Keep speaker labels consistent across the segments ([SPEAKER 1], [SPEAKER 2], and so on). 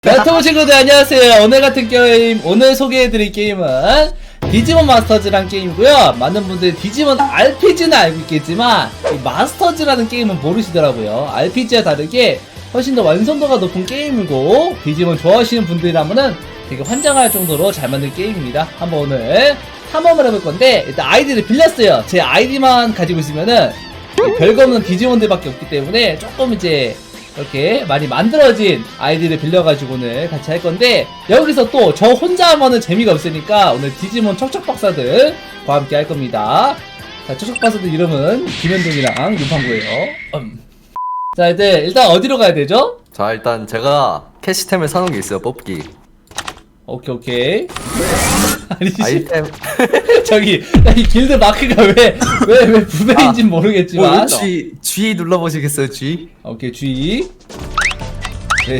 [SPEAKER 1] 네, 유튜브 친구들 안녕하세요. 오늘 같은 게임, 오늘 소개해드릴 게임은 디지몬 마스터즈라는 게임이고요. 많은 분들이 디지몬 RPG는 알고 있겠지만 이 마스터즈라는 게임은 모르시더라고요. RPG와 다르게 훨씬 더 완성도가 높은 게임이고 디지몬 좋아하시는 분들이라면은 되게 환장할 정도로 잘 만든 게임입니다. 한번 오늘 탐험을 해볼 건데 일단 아이디를 빌렸어요. 제 아이디만 가지고 있으면은 별거 없는 디지몬들밖에 없기 때문에 조금 이제 이렇게 많이 만들어진 아이디를 빌려가지고 오늘 같이 할 건데 여기서 또 저 혼자 하면은 재미가 없으니까 오늘 디지몬 척척박사들과 함께 할 겁니다. 자, 척척박사들 이름은 김현동이랑 윤판구예요. 자, 이제 일단 어디로 가야 되죠?
[SPEAKER 2] 자, 일단 제가 캐시템을 사놓은 게 있어요. 뽑기
[SPEAKER 1] 오케이. 아니
[SPEAKER 2] 아이템.
[SPEAKER 1] 저기 이 길드 마크가 왜 부배인진 모르겠지만
[SPEAKER 2] G 눌러보시겠어요? G.
[SPEAKER 1] 오케이 G. 네.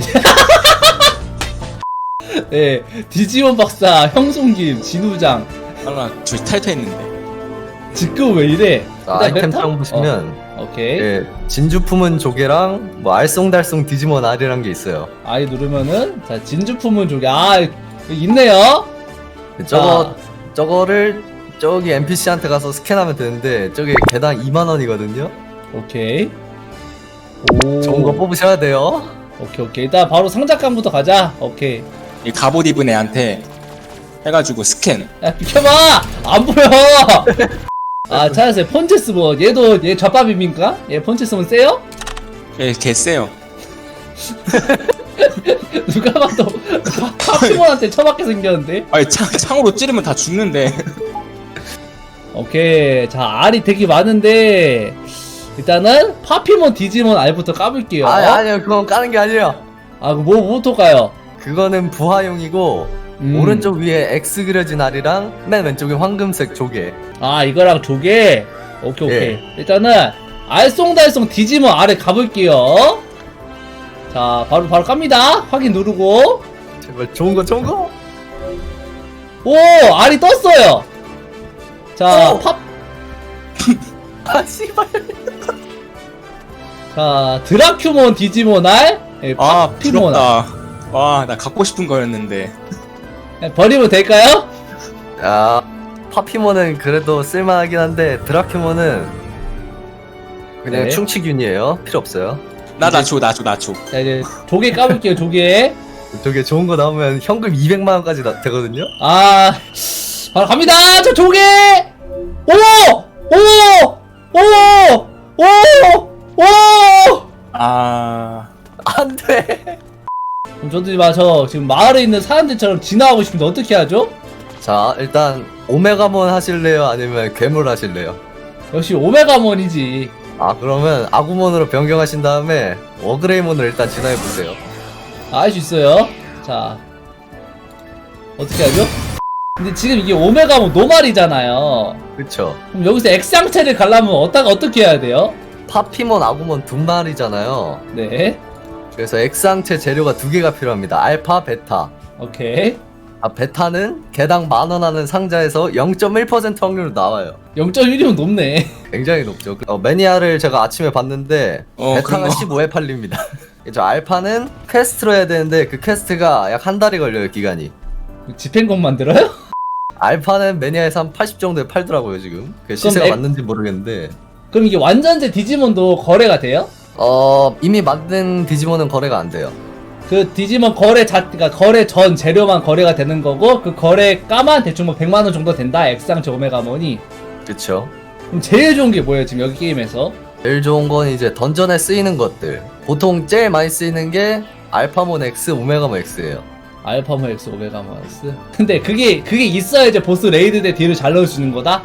[SPEAKER 1] 네, 디지몬 박사, 형송김, 진우장.
[SPEAKER 3] 나 둘이 탈퇴했는데.
[SPEAKER 1] 지금 왜 이래?
[SPEAKER 2] 자, 아이템창 보시면
[SPEAKER 1] 오케이.
[SPEAKER 2] 예, 진주 품은 조개랑 뭐 알쏭달쏭 디지몬 R이란 게 있어요.
[SPEAKER 1] 아이 누르면은 자 진주 품은 조개. 여기 있네요.
[SPEAKER 2] 저거를 저기 NPC한테 가서 스캔하면 되는데 저게 개당 2만원이거든요.
[SPEAKER 1] 오케이. 오.
[SPEAKER 2] 좋은 거 뽑으셔야 돼요.
[SPEAKER 1] 오케이. 일단 바로 상작감부터 가자. 오케이.
[SPEAKER 3] 이 갑옷 입은 애한테 해가지고 스캔.
[SPEAKER 1] 야 비켜봐. 안 보여. 찾았어요. 폰체스몬. 얘 젖밥입니까? 얘 폰체스몬 세요?
[SPEAKER 3] 개 세요.
[SPEAKER 1] 누가 봐도 파피몬한테 처맞게 생겼는데.
[SPEAKER 3] 아니 창으로 찌르면 다 죽는데.
[SPEAKER 1] 오케이. 자 알이 되게 많은데 일단은 파피몬 디지몬 알부터 까볼게요.
[SPEAKER 2] 아니요, 그건 까는 게 아니에요.
[SPEAKER 1] 뭐부터 까요?
[SPEAKER 2] 그거는 부하용이고 오른쪽 위에 X 그려진 알이랑 맨 왼쪽에 황금색 조개.
[SPEAKER 1] 이거랑 조개. 오케이.
[SPEAKER 2] 예.
[SPEAKER 1] 일단은 알쏭달쏭 디지몬 알에 가볼게요. 자 바로 깝니다. 확인 누르고.
[SPEAKER 2] 제발 좋은 거.
[SPEAKER 1] 오 알이 떴어요. 자
[SPEAKER 2] 씨발.
[SPEAKER 1] 자 드라큐몬 디지몬 알. 파피몬 알.
[SPEAKER 3] 부럽다. 와, 나 갖고 싶은 거였는데.
[SPEAKER 1] 버리면 될까요?
[SPEAKER 2] 파피몬은 그래도 쓸만하긴 한데 드라큐몬은 그냥
[SPEAKER 1] 네.
[SPEAKER 2] 충치균이에요. 필요 없어요.
[SPEAKER 3] 나 줘.
[SPEAKER 1] 자 이제 조개 까볼게요. 조개.
[SPEAKER 2] 저게 좋은 거 나오면 현금 200만원까지 되거든요.
[SPEAKER 1] 바로 갑니다. 저 조개. 오.
[SPEAKER 2] 안 돼.
[SPEAKER 1] 그럼 저도 저 지금 마을에 있는 사람들처럼 진화하고 싶은데 어떻게 하죠?
[SPEAKER 2] 자, 일단 오메가몬 하실래요? 아니면 괴물 하실래요?
[SPEAKER 1] 역시 오메가몬이지.
[SPEAKER 2] 그러면 아구몬으로 변경하신 다음에 워그레이몬을 일단 진화해보세요.
[SPEAKER 1] 알 수 있어요. 자 어떻게 하죠? 근데 지금 이게 오메가몬 노말이잖아요.
[SPEAKER 2] 그쵸.
[SPEAKER 1] 그럼 여기서 X상체를 가려면 어떻게 해야 돼요?
[SPEAKER 2] 파피몬, 아구몬 두 마리잖아요.
[SPEAKER 1] 네.
[SPEAKER 2] 그래서 X항체 재료가 두 개가 필요합니다. 알파, 베타.
[SPEAKER 1] 오케이.
[SPEAKER 2] 베타는 개당 10,000원 하는 상자에서 0.1% 확률로 나와요.
[SPEAKER 1] 0.1이면 높네.
[SPEAKER 2] 굉장히 높죠. 매니아를 제가 아침에 봤는데 베타가
[SPEAKER 3] 그런 거.
[SPEAKER 2] 15에 팔립니다. 저 알파는 퀘스트로 해야 되는데 그 퀘스트가 약 한 달이 걸려요, 기간이.
[SPEAKER 1] 집행권 만들어요?
[SPEAKER 2] 알파는 매니아에서 한 80 정도에 팔더라고요, 지금. 그 시세가 맞는지 모르겠는데.
[SPEAKER 1] 그럼 이게 완전체 디지몬도 거래가 돼요?
[SPEAKER 2] 이미 만든 디지몬은 거래가 안 돼요.
[SPEAKER 1] 그 디지몬 그러니까 거래 전 재료만 거래가 되는 거고 그 거래가만 대충 100만원 정도 된다. X상체 오메가몬이.
[SPEAKER 2] 그쵸.
[SPEAKER 1] 그럼 제일 좋은 게 뭐예요 지금 여기 게임에서?
[SPEAKER 2] 제일 좋은 건 이제 던전에 쓰이는 것들. 보통 제일 많이 쓰이는 게 알파몬 X, 오메가몬 X예요.
[SPEAKER 1] 알파몬 X 오메가몬 X. 근데 그게 있어야 이제 보스 레이드 때 딜을 잘 넣어주는 거다?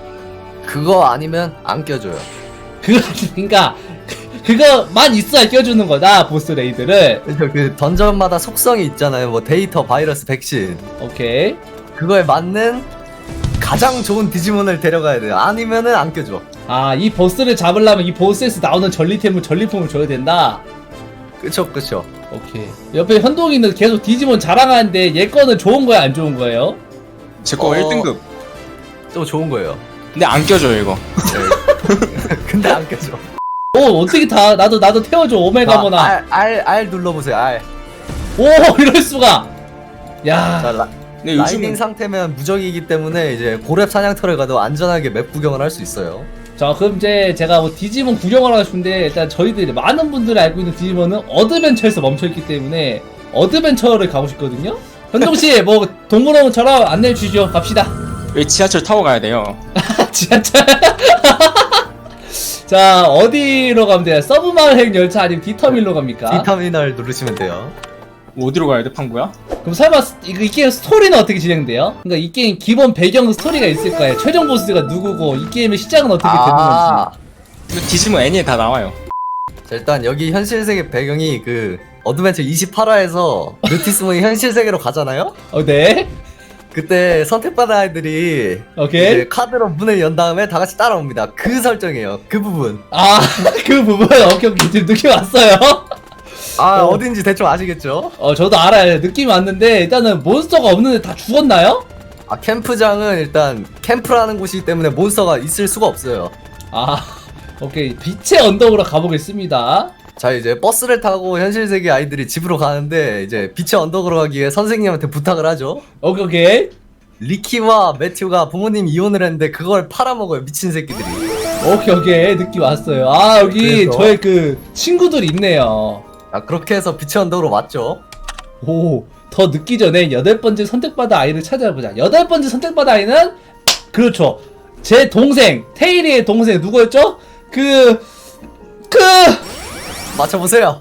[SPEAKER 2] 그거 아니면 안 껴줘요.
[SPEAKER 1] 그러니까 그거만 있어야 껴주는 거다 보스 레이드를.
[SPEAKER 2] 그래서 그 던전마다 속성이 있잖아요. 뭐 데이터, 바이러스, 백신.
[SPEAKER 1] 오케이.
[SPEAKER 2] 그거에 맞는 가장 좋은 디지몬을 데려가야 돼요. 아니면은 안 껴줘.
[SPEAKER 1] 이 보스를 잡으려면 이 보스에서 나오는 전리품을 줘야 된다.
[SPEAKER 2] 그쵸.
[SPEAKER 1] 오케이. 옆에 현동이는 계속 디지몬 자랑하는데 얘 거는 좋은 거야 안 좋은 거예요?
[SPEAKER 3] 제 거 1등급.
[SPEAKER 2] 또 좋은 거예요.
[SPEAKER 3] 근데 안 껴줘요, 이거.
[SPEAKER 2] 네. 근데 안 껴줘.
[SPEAKER 1] 어떻게 나도 태워줘 오메가몬아.
[SPEAKER 2] R 눌러보세요. R.
[SPEAKER 1] 오 이럴 수가.
[SPEAKER 2] 자,
[SPEAKER 1] 야.
[SPEAKER 3] 근데
[SPEAKER 2] 라이딩
[SPEAKER 3] 요즘은
[SPEAKER 2] 상태면 무적이기 때문에 이제 고렙 사냥터를 가도 안전하게 맵 구경을 할 수 있어요.
[SPEAKER 1] 자 그럼 이제 제가 뭐 디지몬 구경을 하고 싶은데 일단 저희들이 많은 분들이 알고 있는 디지몬은 어드벤처에서 멈춰있기 때문에 어드벤처를 가고 싶거든요. 현종씨 뭐 동물원처럼 안내해 주시죠. 갑시다.
[SPEAKER 3] 왜 지하철 타고 가야 돼요?
[SPEAKER 1] 지하철. 자 어디로 가면 돼요? 서브마을 열차 아니면 디터밀로 갑니까?
[SPEAKER 2] D터미널 누르시면 돼요.
[SPEAKER 3] 뭐 어디로 가야 돼, 판구야?
[SPEAKER 1] 그럼 설마 이 게임 스토리는 어떻게 진행돼요? 그러니까 이 게임 기본 배경 스토리가 있을 거예요. 최종 보스가 누구고 이 게임의 시작은 어떻게 되는 건지.
[SPEAKER 3] 이거 디지몬 애니에 다 나와요.
[SPEAKER 2] 자, 일단 여기 현실 세계 배경이 그 어드벤처 28화에서 루티스몬이 현실 세계로 가잖아요.
[SPEAKER 1] 네.
[SPEAKER 2] 그때 선택받은 아이들이
[SPEAKER 1] 오케이.
[SPEAKER 2] 이제 카드로 문을 연 다음에 다 같이 따라옵니다. 그 설정이에요. 그 부분.
[SPEAKER 1] 아 그 부분 오케이 오케이 지금 느낌 왔어요.
[SPEAKER 2] 어딘지 대충 아시겠죠?
[SPEAKER 1] 저도 알아요. 느낌이 왔는데 일단은 몬스터가 없는데 다 죽었나요?
[SPEAKER 2] 캠프장은 일단 캠프라는 곳이기 때문에 몬스터가 있을 수가 없어요.
[SPEAKER 1] 아 오케이 빛의 언덕으로 가보겠습니다.
[SPEAKER 2] 자, 이제 버스를 타고 현실 세계 아이들이 집으로 가는데 이제 빛의 언덕으로 가기 위해 선생님한테 부탁을 하죠.
[SPEAKER 1] 오케이 오케이
[SPEAKER 2] 리키와 매튜가 부모님 이혼을 했는데 그걸 팔아먹어요, 미친 새끼들이.
[SPEAKER 1] 오케이 느낌 왔어요. 아 여기
[SPEAKER 2] 그래서?
[SPEAKER 1] 저의 그 친구들이 있네요.
[SPEAKER 2] 자, 그렇게 해서 빛의 언덕으로 왔죠.
[SPEAKER 1] 오, 더 늦기 전에 8번째 선택받은 아이를 찾아보자. 8번째 선택받은 아이는 그렇죠. 제 동생, 테일이의 동생 누구였죠?
[SPEAKER 2] 맞춰보세요.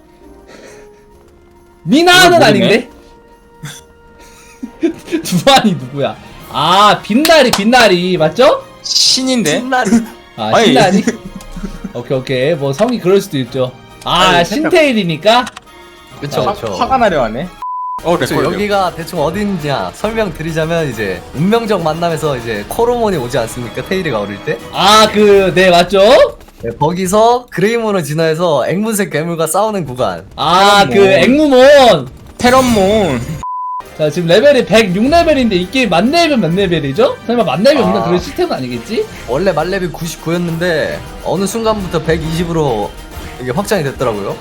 [SPEAKER 1] 미나는
[SPEAKER 3] 이걸
[SPEAKER 1] 아닌데? 두한이 누구야? 아, 빛나리 맞죠?
[SPEAKER 3] 신인데?
[SPEAKER 2] 신나리.
[SPEAKER 1] 아,
[SPEAKER 3] 아니.
[SPEAKER 1] 신나리? 오케이. 뭐 성이 그럴 수도 있죠. 아,
[SPEAKER 3] 아니,
[SPEAKER 1] 신테일이니까?
[SPEAKER 2] 그쵸, 그쵸.
[SPEAKER 3] 화가 나려 하네.
[SPEAKER 2] 그쵸,
[SPEAKER 3] 레콜.
[SPEAKER 2] 여기가 대충 어딘지야 설명드리자면 이제 운명적 만남에서 이제 코로몬이 오지 않습니까? 테일이가 어릴 때?
[SPEAKER 1] 아, 네, 맞죠?
[SPEAKER 2] 네, 거기서 그레이몬을 진화해서 앵무새 괴물과 싸우는 구간.
[SPEAKER 1] 아,
[SPEAKER 3] 테런몬.
[SPEAKER 1] 앵무몬.
[SPEAKER 3] 테런몬.
[SPEAKER 1] 자, 지금 레벨이 106레벨인데 이 게임 만렙은 몇 레벨이죠? 설마 만렙이 없는
[SPEAKER 2] 아.
[SPEAKER 1] 그런 시스템은 아니겠지?
[SPEAKER 2] 원래 만렙이 99였는데 어느 순간부터 120으로 이게 확장이 됐더라고요.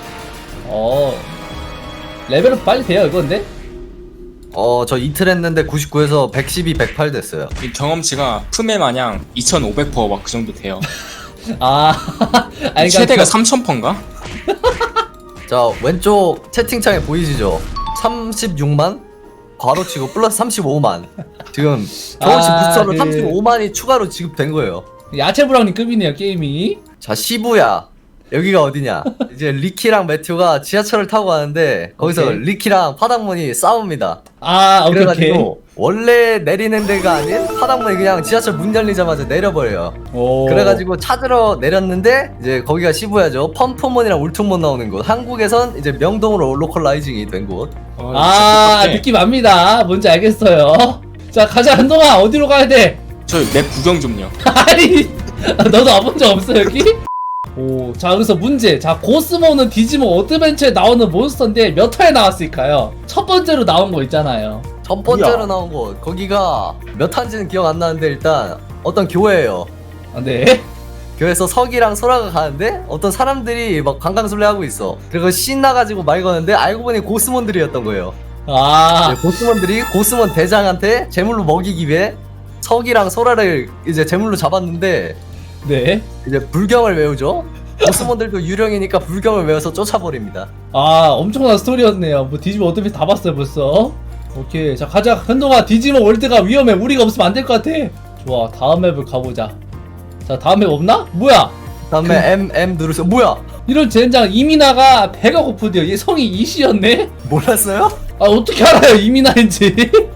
[SPEAKER 1] 레벨은 빨리 돼요, 이건데?
[SPEAKER 2] 저 이틀 했는데 99에서 112, 108 됐어요.
[SPEAKER 3] 이 경험치가 품에 마냥 2500% 막 그 정도 돼요.
[SPEAKER 1] 아, 아니,
[SPEAKER 3] 최대가 3000%인가?
[SPEAKER 2] 자, 왼쪽 채팅창에 보이시죠? 36만? 괄호치고 플러스 35만. 지금 경험치
[SPEAKER 1] 아,
[SPEAKER 2] 부스터로 35만이 추가로 지급된 거예요.
[SPEAKER 1] 야채 브라우니 급이네요, 게임이.
[SPEAKER 2] 자, 시부야. 여기가 어디냐? 이제 리키랑 매튜가 지하철을 타고 가는데 거기서
[SPEAKER 1] 오케이.
[SPEAKER 2] 리키랑 파닥몬이 싸웁니다.
[SPEAKER 1] 아, 오케이.
[SPEAKER 2] 그래가지고 원래 내리는 데가 아닌 파닥몬이 그냥 지하철 문 열리자마자 내려버려요.
[SPEAKER 1] 오.
[SPEAKER 2] 그래가지고 찾으러 내렸는데 이제 거기가 시부야죠. 펌프몬이랑 울퉁몬 나오는 곳. 한국에선 이제 명동으로 로컬라이징이 된 곳.
[SPEAKER 1] 아, 느낌 압니다. 뭔지 알겠어요. 자, 가자, 한동아. 어디로 가야 돼?
[SPEAKER 3] 저맵 구경 좀요.
[SPEAKER 1] 아니, 너도 와본 적 없어, 여기? 오, 자, 그래서 문제. 자, 고스모는 디지몬 어드벤처에 나오는 몬스터인데 몇 회에 나왔을까요? 첫 번째로 나온 거 있잖아요.
[SPEAKER 2] 첫 번째로
[SPEAKER 3] 뭐야?
[SPEAKER 2] 나온 곳. 거기가 몇 한지는 기억 안 나는데 일단 어떤 교회예요.
[SPEAKER 1] 아, 네.
[SPEAKER 2] 교회에서 석이랑 소라가 가는데 어떤 사람들이 막 관광술래 하고 있어. 그리고 신나가지고 말 거는데 알고 보니 고스몬들이었던 거예요.
[SPEAKER 1] 아,
[SPEAKER 2] 이제 고스몬들이 고스몬 대장한테 제물로 먹이기 위해 석이랑 소라를 이제 제물로 잡았는데
[SPEAKER 1] 네.
[SPEAKER 2] 이제 불경을 외우죠. 고스몬들도 유령이니까 불경을 외워서 쫓아버립니다.
[SPEAKER 1] 아, 엄청난 스토리였네요. 뭐 디지몬 어드벤처 다 봤어요, 벌써. 오케이. 자, 가자. 현동아, 디지몬 월드가 위험해. 우리가 없으면 안 될 것 같아. 좋아. 다음 맵을 가보자. 자, 다음 맵 없나? 뭐야?
[SPEAKER 2] 다음에 M 누르세요. 뭐야?
[SPEAKER 1] 이런 젠장 이민아가 배가 고프대요. 얘 성이 이씨였네?
[SPEAKER 2] 몰랐어요?
[SPEAKER 1] 아, 어떻게 알아요, 이민아인지?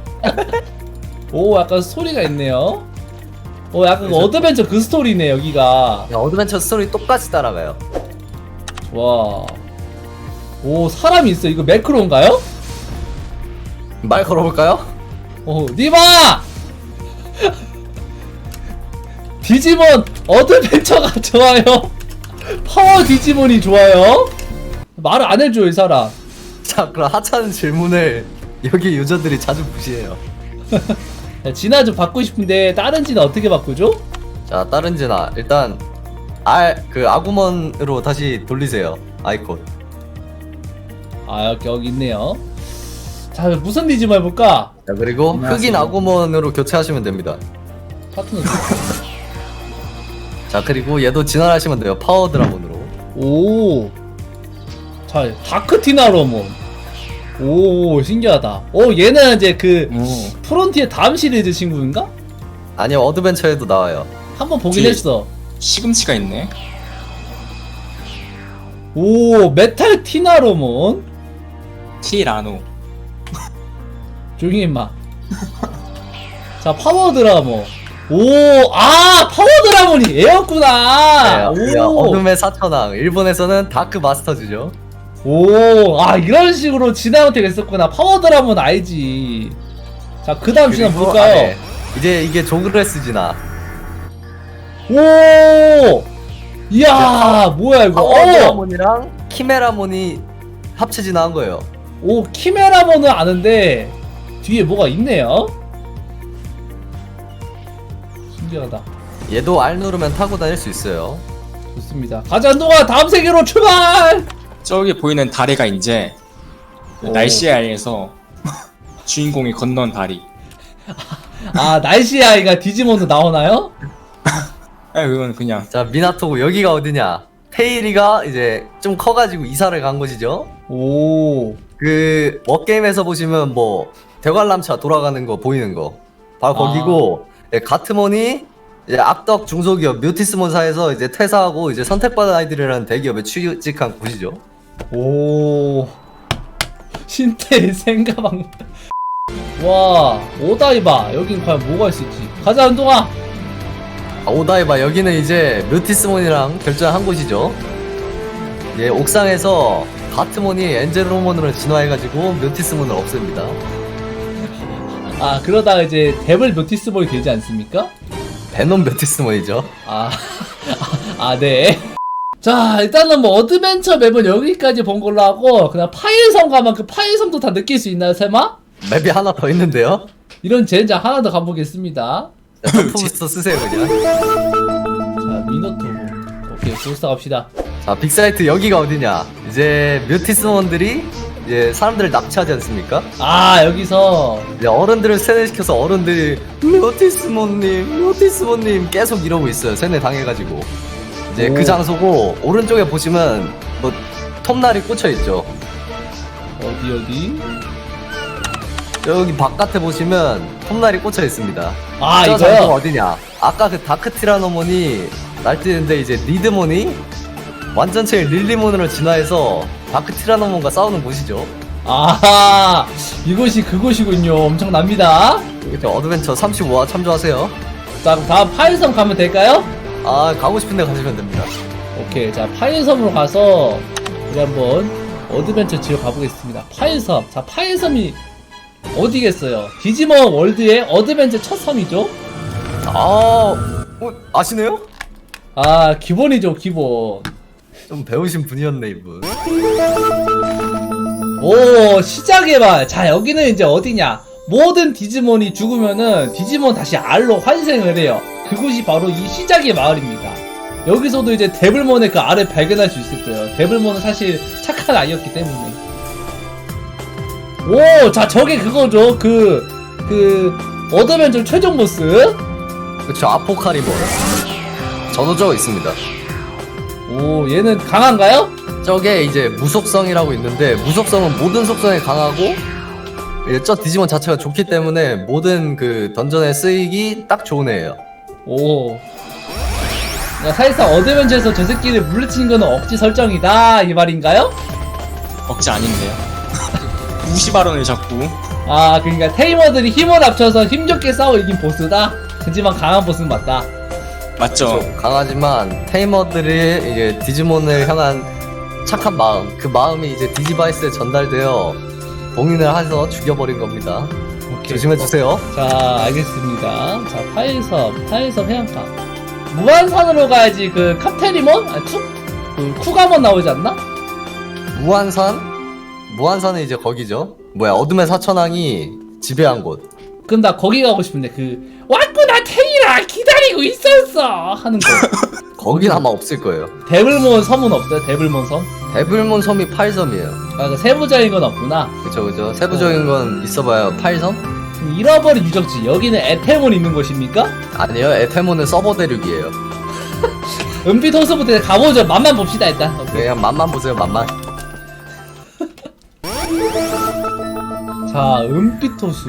[SPEAKER 1] 오, 약간 스토리가 있네요. 약간 그 어드벤처 그 스토리네, 여기가.
[SPEAKER 2] 야, 어드벤처 스토리 똑같이 따라가요.
[SPEAKER 1] 와. 오, 사람이 있어. 이거 매크로인가요?
[SPEAKER 2] 말 걸어볼까요?
[SPEAKER 1] 니마! 디지몬 어드벤처가 좋아요. 파워 디지몬이 좋아요. 말을 안 해줘, 이 사람.
[SPEAKER 2] 자, 그럼 하찮은 질문을 여기 유저들이 자주 무시해요.
[SPEAKER 1] 자, 진화 좀 바꾸고 싶은데 다른 진화 어떻게 바꾸죠?
[SPEAKER 2] 자, 다른 진화 일단 그 아구먼으로 다시 돌리세요. 아이콘.
[SPEAKER 1] 아, 여기 있네요. 자, 무슨 디지몬 해볼까?
[SPEAKER 2] 자, 그리고
[SPEAKER 3] 안녕하세요.
[SPEAKER 2] 흑인 아구몬으로 교체하시면 됩니다.
[SPEAKER 1] 파트너.
[SPEAKER 2] 자, 그리고 얘도 진화하시면 돼요. 파워 드라곤으로.
[SPEAKER 1] 오. 자, 다크티나로몬. 오, 신기하다. 오, 얘는 이제 그
[SPEAKER 3] 오.
[SPEAKER 1] 프론티의 다음 시리즈 친구인가?
[SPEAKER 2] 아니요, 어드벤처에도 나와요.
[SPEAKER 1] 한번 보긴
[SPEAKER 3] 뒤에.
[SPEAKER 1] 했어.
[SPEAKER 3] 시금치가 있네.
[SPEAKER 1] 오, 메탈 티나로몬.
[SPEAKER 3] 티라노.
[SPEAKER 1] 조용히 임마. 자, 파워 드라몬. 오, 아, 파워 드라몬이 얘였구나.
[SPEAKER 2] 네,
[SPEAKER 1] 오.
[SPEAKER 2] 어둠의 사천왕. 일본에서는 다크 마스터즈죠.
[SPEAKER 1] 오, 아, 이런 식으로 진화한테 있었구나. 파워 드라몬 알지. 자, 그 다음 진화
[SPEAKER 2] 그리고
[SPEAKER 1] 볼까요?
[SPEAKER 2] 안에 이제 이게 조그레스 진화.
[SPEAKER 1] 오! 이야, 뭐야, 이거.
[SPEAKER 2] 파워
[SPEAKER 1] 어!
[SPEAKER 2] 드라몬이랑 키메라몬이 합체 진화한 거예요.
[SPEAKER 1] 오, 키메라몬은 아는데, 뒤에 뭐가 있네요? 신기하다.
[SPEAKER 2] 얘도 R 누르면 타고 다닐 수 있어요.
[SPEAKER 1] 좋습니다. 가자, 한동안 다음 세계로 출발!
[SPEAKER 3] 저기 보이는 다리가 이제 그
[SPEAKER 1] 오.
[SPEAKER 3] 날씨의 아이에서 주인공이 건넌 다리.
[SPEAKER 1] 아, 날씨 아이가 디지몬도 나오나요?
[SPEAKER 3] 아 그건 그냥
[SPEAKER 2] 자, 미나토고 여기가 어디냐? 테일이가 이제 좀 커가지고 이사를 간 곳이죠.
[SPEAKER 1] 오,
[SPEAKER 2] 그 워게임에서 보시면 뭐 대관람차 돌아가는 거 보이는 거 바로
[SPEAKER 1] 아.
[SPEAKER 2] 거기고, 예, 가트몬이 이제 악덕 중소기업 뮤티스몬사에서 이제 퇴사하고 이제 선택받은 아이들이라는 대기업에 취직한 곳이죠.
[SPEAKER 1] 오. 신태의 생가방. 와, 오다이바. 여긴 과연 뭐가 있을지. 가자, 한동아.
[SPEAKER 2] 아, 오다이바 여기는 이제 뮤티스몬이랑 결전한 곳이죠. 예, 옥상에서 가트몬이 엔젤로몬으로 진화해가지고 뮤티스몬을 없앱니다.
[SPEAKER 1] 아, 그러다가 이제 데블 노티스볼이 되지 않습니까?
[SPEAKER 2] 베놈 뮤티스몬이죠.
[SPEAKER 1] 아, 아, 네. 자, 일단은 뭐 어드벤처 맵은 여기까지 본 걸로 하고, 그냥 파일섬 가면 그 파일섬도 다 느낄 수 있나요, 세마?
[SPEAKER 2] 맵이 하나 더 있는데요.
[SPEAKER 1] 이런 젠장 하나 더 가보겠습니다.
[SPEAKER 2] 자, 점프부스터 쓰세요 그냥.
[SPEAKER 1] 자, 미노토. 오케이, 부스터 갑시다.
[SPEAKER 2] 자, 빅사이트 여기가 어디냐? 이제 뮤티스몬들이 이제 사람들을 납치하지 않습니까?
[SPEAKER 1] 아, 여기서.
[SPEAKER 2] 이제 어른들을 세뇌시켜서 어른들이 뮤티스몬님 계속 이러고 있어요. 세뇌 당해가지고. 이제
[SPEAKER 1] 오.
[SPEAKER 2] 그 장소고, 오른쪽에 보시면 뭐 톱날이 꽂혀 있죠.
[SPEAKER 1] 어디?
[SPEAKER 2] 여기 바깥에 보시면 톱날이 꽂혀 있습니다.
[SPEAKER 1] 아,
[SPEAKER 2] 저 장소가
[SPEAKER 1] 이거요?
[SPEAKER 2] 어디냐? 아까 그 다크 티라노몬이 날뛰는데 이제 리드몬이 완전체인 릴리몬으로 진화해서 다크 티라노몬과 싸우는 곳이죠.
[SPEAKER 1] 아, 이곳이 그곳이군요. 엄청납니다.
[SPEAKER 2] 이렇게 어드벤처 35화 참조하세요.
[SPEAKER 1] 자, 그럼 다음 파일섬 가면 될까요?
[SPEAKER 2] 아, 가고 싶은데 가시면 됩니다.
[SPEAKER 1] 오케이, 자, 파일섬으로 가서 우리 한번 어드벤처 지역 가보겠습니다. 파일섬. 자, 파일섬이 어디겠어요? 디지몬 월드의 어드벤처 첫 섬이죠?
[SPEAKER 2] 아시네요?
[SPEAKER 1] 아, 기본이죠, 기본.
[SPEAKER 2] 좀 배우신 분이었네, 이분.
[SPEAKER 1] 오, 시작해봐. 자, 여기는 이제 어디냐? 모든 디지몬이 죽으면은 디지몬 다시 R로 환생을 해요. 그곳이 바로 이 시작의 마을입니다. 여기서도 이제 데블몬의 그 R을 발견할 수 있을 거예요. 데블몬은 사실 착한 아이였기 때문에. 오, 자, 저게 그거죠. 어드벤처 최종 보스.
[SPEAKER 2] 그쵸, 아포카리몬. 저도 저거 있습니다.
[SPEAKER 1] 오, 얘는 강한가요?
[SPEAKER 2] 저게 이제 무속성이라고 있는데, 무속성은 모든 속성에 강하고, 이제 저 디지몬 자체가 좋기 때문에 모든 그 던전에 쓰이기 딱 좋은 애예요.
[SPEAKER 1] 오. 야, 사실상 어드벤처에서 저 새끼를 물리치는 거는 억지 설정이다, 이 말인가요?
[SPEAKER 3] 억지 아닌데요. 무시발언을 자꾸.
[SPEAKER 1] 아, 그러니까 테이머들이 힘을 합쳐서 힘좋게 싸워 이긴 보스다? 하지만 강한 보스는 맞다.
[SPEAKER 3] 맞죠?
[SPEAKER 2] 그쵸, 강하지만 테이머들이 이제 디지몬을 향한 착한 마음, 그 마음이 이제 디지바이스에 전달되어 봉인을 해서 죽여버린 겁니다.
[SPEAKER 1] 오케이.
[SPEAKER 2] 조심해주세요.
[SPEAKER 1] 자, 알겠습니다. 자, 파일섬 해안가. 무한산으로 가야지 그 카테리몬? 아니, 쿠가몬 나오지 않나?
[SPEAKER 2] 무한산은 이제 거기죠. 뭐야, 어둠의 사천왕이 지배한 곳.
[SPEAKER 1] 그럼 나 거기 가고 싶은데 왔구나 테이라 기다리고 있었어 하는 거.
[SPEAKER 2] 거긴 아마 없을 거예요.
[SPEAKER 1] 데블몬 섬은 없어요? 데블몬 섬?
[SPEAKER 2] 데블몬 섬이 8섬이에요.
[SPEAKER 1] 아, 그 세부적인 건 없구나.
[SPEAKER 2] 그쵸. 세부적인 건 있어봐요. 8섬?
[SPEAKER 1] 잃어버린 유적지, 여기는 에테몬 있는 곳입니까?
[SPEAKER 2] 아니요, 에테몬은 서버 대륙이에요.
[SPEAKER 1] 은빛 호수부터 가보죠. 맛만 봅시다 일단. 오케이.
[SPEAKER 2] 그냥 맛만 보세요, 맛만.
[SPEAKER 1] 자, 은빛 호수.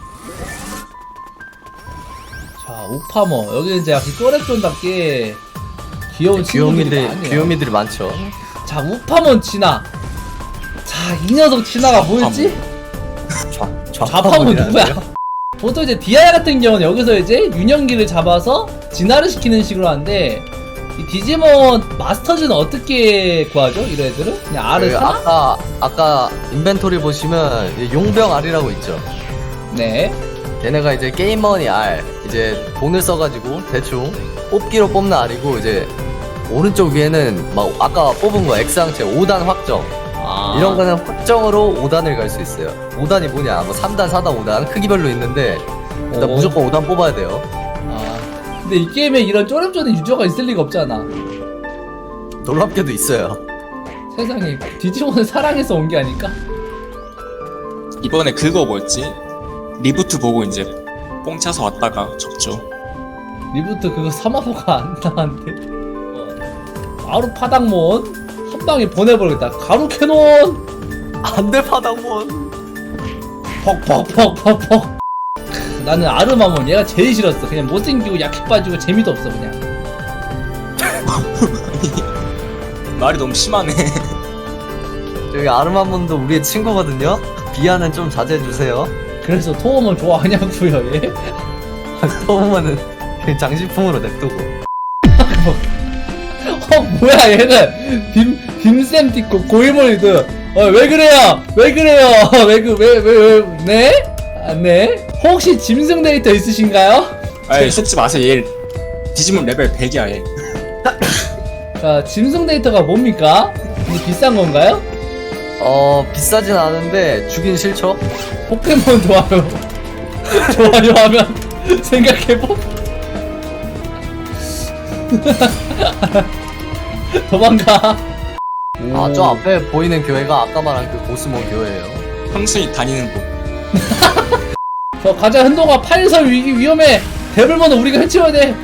[SPEAKER 1] 자, 우파머. 여기는 이제 역시 또렉존답게 귀여운 친구들이 많네요.
[SPEAKER 2] 귀요미들이 많죠.
[SPEAKER 1] 자, 우파몬 진화. 자, 이 녀석 진화가 뭐였지? 좌파몬 누구야? 보통 이제 디아야 같은 경우는 여기서 이제 유년기를 잡아서 진화를 시키는 식으로 하는데, 이 디지몬 마스터즈는 어떻게 구하죠? 이런 애들은? 그냥 R을
[SPEAKER 2] 그
[SPEAKER 1] 사?
[SPEAKER 2] 아까 인벤토리 보시면 이제 용병 R이라고 있죠.
[SPEAKER 1] 네.
[SPEAKER 2] 얘네가 이제 게임머니 R, 이제 돈을 써가지고 대충 뽑기로 뽑는 R이고, 이제 오른쪽 위에는 막 아까 뽑은 거 X항체 5단 확정,
[SPEAKER 1] 아.
[SPEAKER 2] 이런 거는 확정으로 5단을 갈 수 있어요. 5단이 뭐냐, 뭐 3단, 4단, 5단 크기별로 있는데 일단
[SPEAKER 1] 오.
[SPEAKER 2] 무조건 5단 뽑아야 돼요.
[SPEAKER 1] 아. 근데 이 게임에 이런 쪼렴쪼렴 유저가 있을 리가 없잖아.
[SPEAKER 2] 놀랍게도 있어요.
[SPEAKER 1] 세상에, 디지몬을 사랑해서 온 게 아닐까?
[SPEAKER 3] 이번에 그거 뭐였지? 리부트 보고 이제 뽕 차서 왔다가 접죠.
[SPEAKER 1] 리부트 그거 사마소가 안 나왔는데. 바로 파닥몬 한 방에 보내버리겠다. 가루 캐논
[SPEAKER 2] 안돼 파당몬.
[SPEAKER 1] 퍽퍽퍽퍽퍽. 나는 아르마몬 얘가 제일 싫었어. 그냥 못생기고 약해 빠지고 재미도 없어 그냥.
[SPEAKER 3] 말이 너무 심하네.
[SPEAKER 2] 저기 아르마몬도 우리의 친구거든요. 비하는 좀 자제해주세요.
[SPEAKER 1] 그래서 토음을 좋아하냐고요 얘?
[SPEAKER 2] 또보면은 그냥 장식품으로 냅두고.
[SPEAKER 1] 뭐야 얘는 빔쌤 띠고 고이모리드. 왜 그래요? 왜 그래요? 왜 네? 아, 네? 혹시 짐승 데이터 있으신가요?
[SPEAKER 3] 아이 속지 마세요. 얘 디지몬 레벨 100이야 얘.
[SPEAKER 1] 자, 짐승 데이터가 뭡니까? 이게 비싼 건가요?
[SPEAKER 2] 비싸진 않은데 주긴 싫죠?
[SPEAKER 1] 포켓몬 좋아요. 좋아요 하면 생각해보. 도망가.
[SPEAKER 2] 아, 저 앞에 보이는 교회가 아까 말한 그 보스몬 교회예요.
[SPEAKER 3] 형순이 다니는 곳.
[SPEAKER 1] 저 가자 흔동아 파일설 위기 위험해. 데블몬은 우리가 해치워야 돼.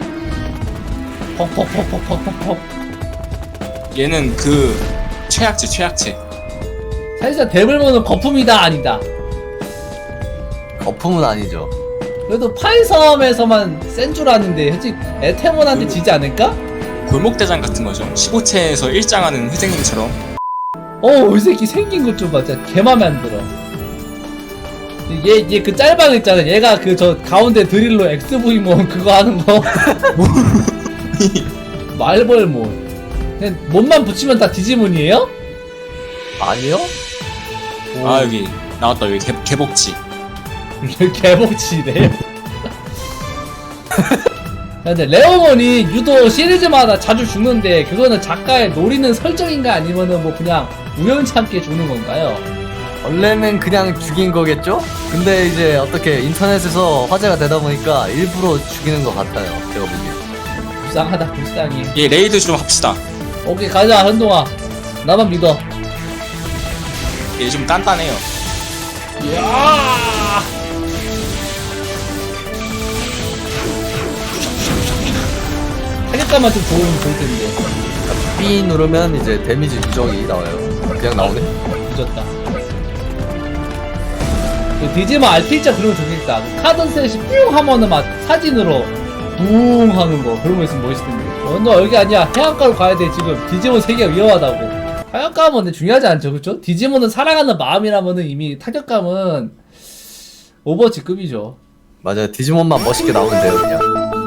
[SPEAKER 1] 퍽퍽퍽퍽퍽퍽.
[SPEAKER 3] 얘는 그 최악체.
[SPEAKER 1] 사실상 데블몬은 거품이다 아니다.
[SPEAKER 2] 거품은 아니죠.
[SPEAKER 1] 그래도 파이섬에서만 센 줄 아는데 솔직히 에테몬한테 지지 않을까?
[SPEAKER 3] 골목대장 같은 거죠. 15채에서 일장하는 회장님처럼.
[SPEAKER 1] 이 새끼 생긴 것 좀 봐. 진짜 개 맘에 안 들어. 얘 그 짤방 있잖아. 얘가 그 저 가운데 드릴로 XV몬 그거 하는 거. 말벌몬. 그냥 몸만 붙이면 다 디지몬이에요?
[SPEAKER 2] 아니요?
[SPEAKER 3] 아 여기 나왔다. 여기 개복치.
[SPEAKER 1] 개복치네. 근데 레오몬이 유도 시리즈마다 자주 죽는데 그거는 작가의 노리는 설정인가 아니면은 뭐 그냥 우연찮게 죽는 건가요?
[SPEAKER 2] 원래는 그냥 죽인 거겠죠? 근데 이제 어떻게 인터넷에서 화제가 되다 보니까 일부러 죽이는 것 같아요. 제가 보기엔.
[SPEAKER 1] 불쌍하다 불쌍해.
[SPEAKER 3] 얘 레이드 좀 합시다.
[SPEAKER 1] 오케이 가자 한동아. 나만 믿어.
[SPEAKER 3] 얘 좀 단단해요.
[SPEAKER 1] 야! 타격감만 좀 좋으면 좋을 텐데.
[SPEAKER 2] B 누르면 이제 데미지 누적이 나와요. 그냥 나오네.
[SPEAKER 1] 늦었다. 그 디지몬 RP자 그런 거 좋겠다. 그 카드 셋이 뿅 하면은 막 사진으로 붕 하는 거 그런 거 있으면 멋있을 텐데. 너 여기 아니야. 해안가로 가야 돼. 지금 디지몬 세계가 위험하다고. 타격감은 근데 중요하지 않죠, 그렇죠? 디지몬은 사랑하는 마음이라면은 이미 타격감은 오버워치급이죠.
[SPEAKER 2] 맞아요. 디지몬만 멋있게 나오면 돼요, 그냥.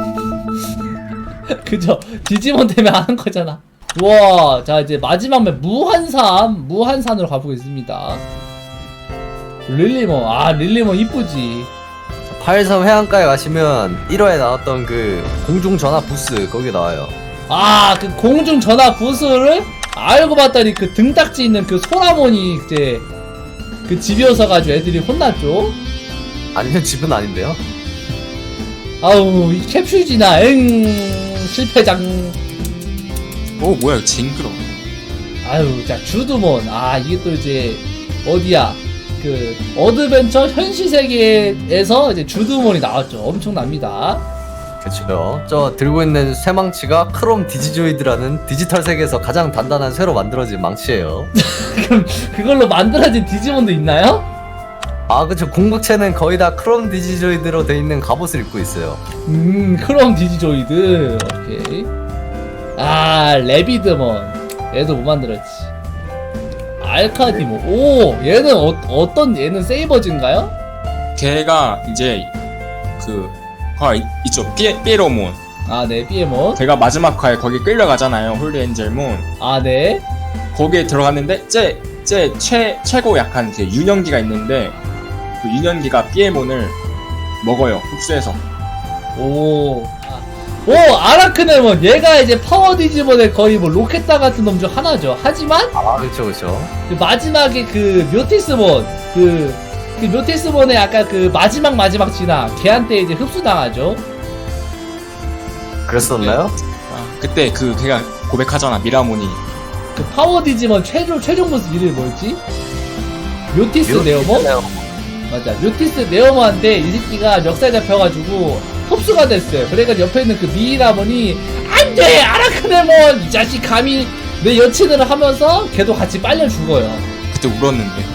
[SPEAKER 1] 그죠? 디지몬 때문에 하는 거잖아. 우와, 자 이제 마지막 맵 무한산으로 가보겠습니다. 릴리몬, 릴리몬 이쁘지.
[SPEAKER 2] 83 해안가에 가시면 1화에 나왔던 그 공중 전화 부스 거기 나와요.
[SPEAKER 1] 그 공중 전화 부스를 알고 봤더니 그 등딱지 있는 그 소라몬이 이제 그 집이어서 가지고 애들이 혼났죠.
[SPEAKER 2] 아니면 집은 아닌데요?
[SPEAKER 1] 아우 이 캡슐지나 실패장.
[SPEAKER 3] 오 뭐야 이거 징그러.
[SPEAKER 1] 아유, 자, 주드몬. 아, 이게 또 이제, 어디야. 그, 어드벤처 현실 세계에서 이제 주드몬이 나왔죠. 엄청납니다.
[SPEAKER 2] 그쵸. 저 들고 있는 쇠망치가 크롬 디지조이드라는 디지털 세계에서 가장 단단한 쇠로 만들어진 망치예요.
[SPEAKER 1] 그럼, 그걸로 만들어진 디지몬도 있나요?
[SPEAKER 2] 아 그쵸. 궁극체는 거의 다 크롬 디지조이드로 돼 있는 갑옷을 입고 있어요.
[SPEAKER 1] 크롬 디지조이드. 오케이. 아, 레비드몬. 얘도 못 만들었지. 알카디몬. 오, 얘는 어떤, 얘는 세이버즈인가요?
[SPEAKER 3] 걔가 이제 그 있죠. 삐에로몬.
[SPEAKER 1] 아, 네, 비에몬.
[SPEAKER 3] 걔가 마지막 화에 거기 끌려가잖아요. 홀리엔젤몬.
[SPEAKER 1] 아, 네.
[SPEAKER 3] 거기에 들어갔는데 최고 약한 그 유년기가 있는데 그 유년기가 삐에몬을 먹어요. 흡수해서.
[SPEAKER 1] 오. 오, 아라크네몬. 얘가 이제 파워 디지몬의 거의 뭐 로켓다 같은 놈 중 하나죠. 하지만
[SPEAKER 2] 아 그쵸 그쵸.
[SPEAKER 1] 그 마지막에 그 묘티스몬 그 묘티스몬의 약간 그 마지막 진화 걔한테 이제 흡수당하죠.
[SPEAKER 2] 그랬었나요?
[SPEAKER 3] 그때 그 걔가 고백하잖아. 미라몬이.
[SPEAKER 1] 그 파워 디지몬 최종 보스 이름이 뭐였지? 묘티스 네오몬? 맞아. 묘티스 네오몬한테 이 새끼가 멱살 잡혀가지고 흡수가 됐어요. 그러니까 옆에 있는 그 미라몬이 안돼 아라크네몬 이 자식 감히 내 여친을 하면서 걔도 같이 빨려 죽어요.
[SPEAKER 3] 그때 울었는데.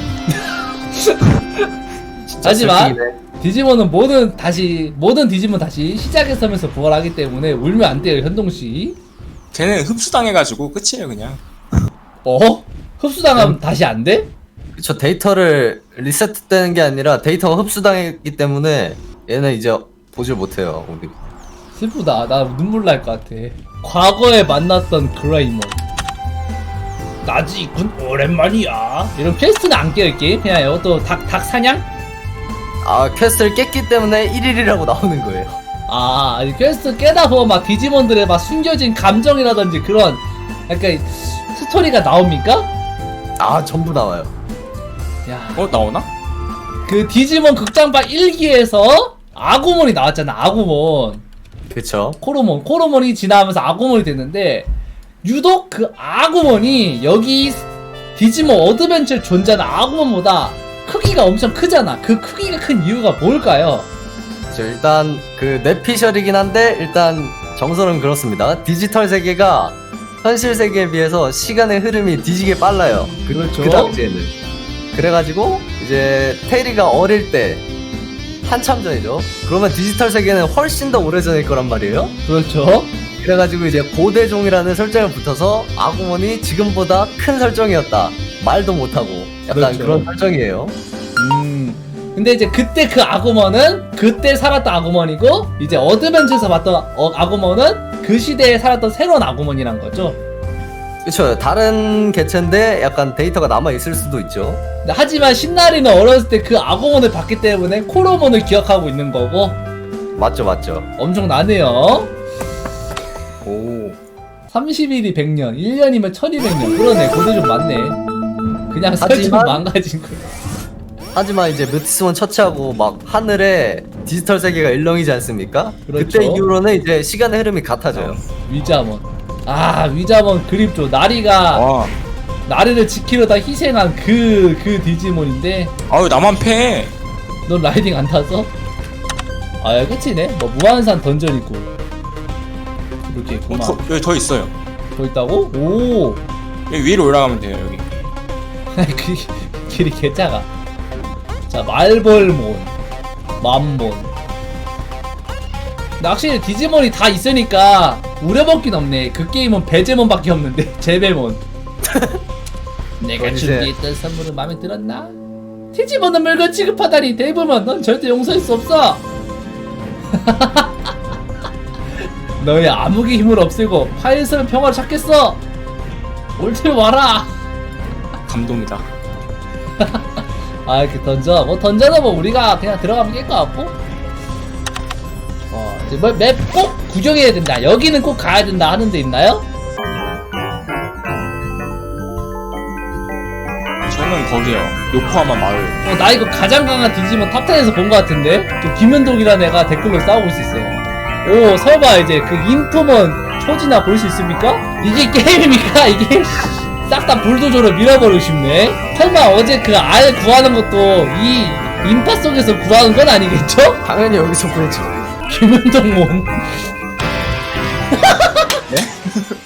[SPEAKER 1] 하지만
[SPEAKER 2] 슬프기네.
[SPEAKER 1] 디지몬은 모든 디지몬 다시 시작에서면서 부활하기 때문에 울면 안 돼요, 현동씨.
[SPEAKER 3] 걔는 흡수당해가지고 끝이에요 그냥.
[SPEAKER 1] 어? 흡수당하면 다시 안 돼?
[SPEAKER 2] 그쵸. 데이터를 리셋되는 게 아니라 데이터가 흡수당했기 때문에 얘는 이제 보질 못해요. 우리.
[SPEAKER 1] 슬프다. 나 눈물 날 것 같아. 과거에 만났던 그라이몬. 나지 있군 오랜만이야. 이런 퀘스트는 안 깨울게. 그냥 이것도 닭 사냥?
[SPEAKER 2] 아 퀘스트를 깼기 때문에 1일이라고 나오는 거예요.
[SPEAKER 1] 아, 아니, 퀘스트 깨다 보면 막 디지몬들의 막 숨겨진 감정이라든지 그런 약간 스토리가 나옵니까?
[SPEAKER 2] 아 전부 나와요.
[SPEAKER 1] 야,
[SPEAKER 3] 나오나?
[SPEAKER 1] 그 디지몬 극장판 1기에서 아구몬이 나왔잖아. 아구몬.
[SPEAKER 2] 그쵸.
[SPEAKER 1] 코로몬이 지나면서 아구몬이 됐는데 유독 그 아구몬이 여기 디지몬 어드벤처에 존재하는 아구몬보다 크기가 엄청 크잖아. 그 크기가 큰 이유가 뭘까요?
[SPEAKER 2] 일단 그 뇌피셜이긴 한데 일단 정설은 그렇습니다. 디지털 세계가 현실 세계에 비해서 시간의 흐름이 뒤지게 빨라요.
[SPEAKER 1] 그렇죠.
[SPEAKER 2] 그 당시에는. 그래가지고 이제 테리가 어릴 때 한참 전이죠. 그러면 디지털 세계는 훨씬 더 오래전일 거란 말이에요.
[SPEAKER 1] 그렇죠.
[SPEAKER 2] 그래가지고 이제 고대종이라는 설정을 붙어서 아구몬이 지금보다 큰 설정이었다. 말도 못하고 약간
[SPEAKER 1] 그렇죠.
[SPEAKER 2] 그런 설정이에요.
[SPEAKER 1] 근데 이제 그때 그 아구몬은 그때 살았던 아구몬이고 이제 어드벤처에서 봤던 아구몬은 그 시대에 살았던 새로운 아구몬이란 거죠.
[SPEAKER 2] 그쵸. 다른 개체인데 약간 데이터가 남아있을 수도 있죠.
[SPEAKER 1] 하지만 신나리는 어렸을 때 그 아구몬을 봤기 때문에 코로몬을 기억하고 있는 거고
[SPEAKER 2] 맞죠 맞죠.
[SPEAKER 1] 엄청나네요.
[SPEAKER 2] 오.
[SPEAKER 1] 30일이 100년, 1년이면 1200년. 그러네, 고대 좀 많네. 그냥 설정
[SPEAKER 2] 하지만-
[SPEAKER 1] 망가진 거.
[SPEAKER 2] 하지만 이제 뮤티스몬 처치하고 막 하늘에 디지털 세계가 일렁이지 않습니까?
[SPEAKER 1] 그렇죠.
[SPEAKER 2] 그때 이후로는 이제 시간의 흐름이 같아져요.
[SPEAKER 1] 위자몬. 아, 위자몬 그립죠. 나리가,
[SPEAKER 3] 와.
[SPEAKER 1] 나리를 지키려다 희생한 그 디지몬인데,
[SPEAKER 3] 아유 나만 패.
[SPEAKER 1] 넌 라이딩 안 타서? 아, 야, 끝이네. 뭐, 무한산 던전이고. 이렇게 있구만.
[SPEAKER 3] 여기 더 있어요.
[SPEAKER 1] 더 있다고? 오!
[SPEAKER 3] 여기 위로 올라가면 돼요 여기.
[SPEAKER 1] 그 길이 개짜가. 자, 말벌몬, 맘몬. 근데 확실히 디지몬이 다 있으니까 우려먹긴 없네. 그 게임은 배제몬밖에 없는데 제베몬. 내가
[SPEAKER 2] 이제-
[SPEAKER 1] 준비했던 선물은 마음에 들었나? 디지몬은 물건 취급하다니 데이브먼 넌 절대 용서할 수 없어. 너의 암흑의 힘을 없애고 파일섬의 평화를 찾겠어. 올 테면 와라.
[SPEAKER 3] 감동이다.
[SPEAKER 1] 아, 이렇게 던져. 뭐 던져도 뭐 우리가 그냥 들어가면 깰 것 같고. 이제 뭐 맵 꼭 구경해야 된다. 여기는 꼭 가야 된다 하는 데 있나요?
[SPEAKER 3] 저는 거기요. 요코하마 마을.
[SPEAKER 1] 나 이거 가장 강한 디지몬 탑10에서 본 것 같은데? 또 김현독이라는 애가 댓글로 싸우고 있었어요. 오, 설마 이제 그 인토몬 초지나 볼 수 있습니까? 이게 게임입니까? 이게? 싹 다 불도저로 밀어버리고 싶네. 설마 어제 그 알 구하는 것도 이 인파 속에서 구하는 건 아니겠죠?
[SPEAKER 2] 당연히 여기서 보였죠.
[SPEAKER 1] 김은동몬.